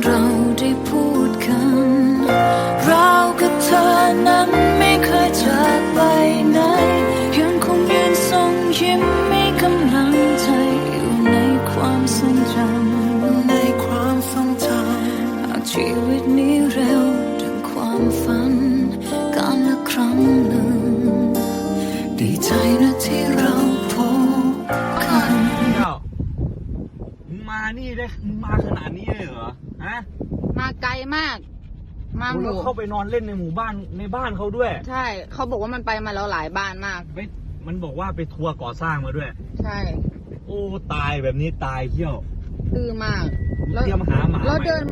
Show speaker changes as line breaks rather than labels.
เราได้พูดกันเรากับเธอนั้นไม่เคยจากไปไหนยังคงยืนส่งยิ้มมีกำลังใจอยู่ในความทรงจำหากชีวิตนี้เร็วดังความฝันการละครั้งหนึ่งดีใจนะที่เราพบกัน
มึงมานี่ได้มึงมาขนาดนี้เลยเหรอฮะ
มาไกลมาก มาห
แล้ว
มู่
เข้าไปนอนเล่นในหมู่บ้านในบ้านเขาด้วย
ใช่เขาบอกว่ามันไปมาแล้วหลายบ้านมาก
ไม่มันบอกว่าไปทัวร์ก่อสร้างมาด้วย
ใช่
โอ้ตายแบบนี้ตายเที่ยว
ดื้อมาก
เตรียมหาหมา
แล้ว
ใหม่
เดิน